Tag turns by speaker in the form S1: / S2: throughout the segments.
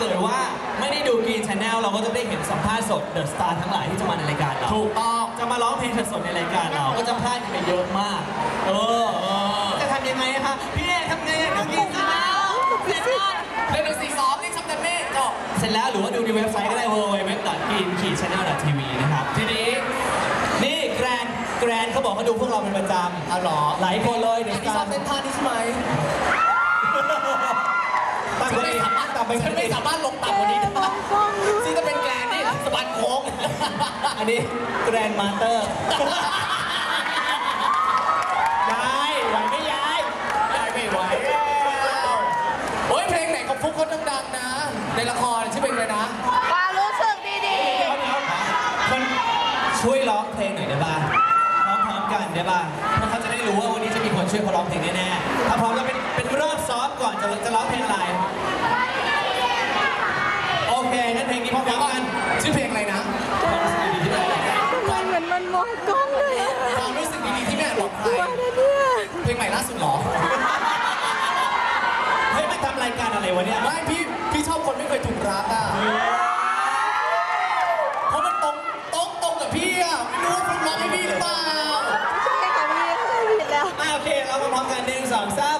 S1: เกิดว่าไม่ได้ดูกรีนชาแนลเราก็จะได้เห็นสัมภาษณ์สดเดอะสตาร์ทั้งหลายที่จะมาในรายการเราถูกต้องจะมาร้องเพลงสดในรายการเราก็จะพลาดกันไปเยอะมากจะทำยังไงคะพี่เอทำไงดูกรีนชาแนลเสร็จแล้วเล่นเป็นซีซ้อมนี่ชับกันเมฆจบเสร็จแล้วหรือว่าดูในเว็บไซต์ก็ได้ www.green-channel.tv นะครับทีนี้นี่แกรนเขาบอกเขาดูพวกเราเป็นประจำเอาหรอหลายคนเลยเดี๋ยวที่ชอบเต้นท่านี้ใช่ไหมฉันไม่สามารถลงต่ำกว่านี้ได้ซึ่งจะเป็นแกรนนี่สะบัดโค้งอันนี้แกรนมาสเตอร์ย้ายไหวไม่ย้ายไม่ไหวโอ้ยเพลงไหนของฟุกคนดังๆนะในละครชื่อเพลงอะไรนะ
S2: ความรู้สึกดี
S1: ๆคนช่วยร้องเพลงหน่อยได้บ้างพร้อมกันได้บ้างเพราะเขาจะได้รู้ว่าวันนี้จะมีคนช่วยเขาร้องเพลงแน่ๆถ้าพร้อมแล้วเป็นรอบซ้อมก่อนจะร้องเพลงอะไรโอเคงั้นเพลงนี้พร้อมกันชื่อเพลงอะไรนะ
S2: มันเหมือนมันมองกล้องเลย
S1: ความรู้สึกดีๆที่แม่บอกใครเพลงใหม่ล่าสุดหรอเฮ้ยไม่ทำรายการอะไรวะเนี่ยไม่พี่ชอบคนไม่เคยถูกรักอ่ะเพราะมันตรงกับพี่อ่ะไม่รู้ว่าคุณรักให้พี่หรือเปล่า
S2: ใช่ค่ะพี่ผิดแล้ว
S1: โอเคเรามาพร้อมกัน1 2 3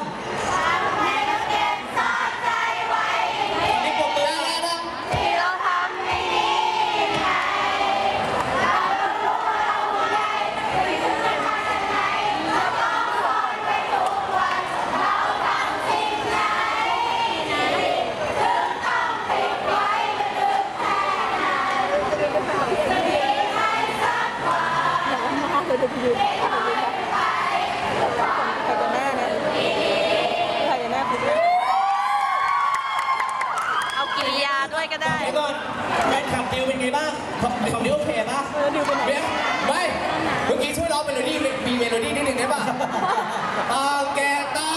S2: เอากิริยาด้วยก็ได้
S1: ก่อนแฟนคลับดิวเป็นไงบ้างของดิวโอเคป่ะ
S2: ดิวเป็นไง
S1: ไม่เมื่อกี้ช่วยร้องเมโลดี้มีเมโลดี้นิดนึงได้ป่ะตาแกตา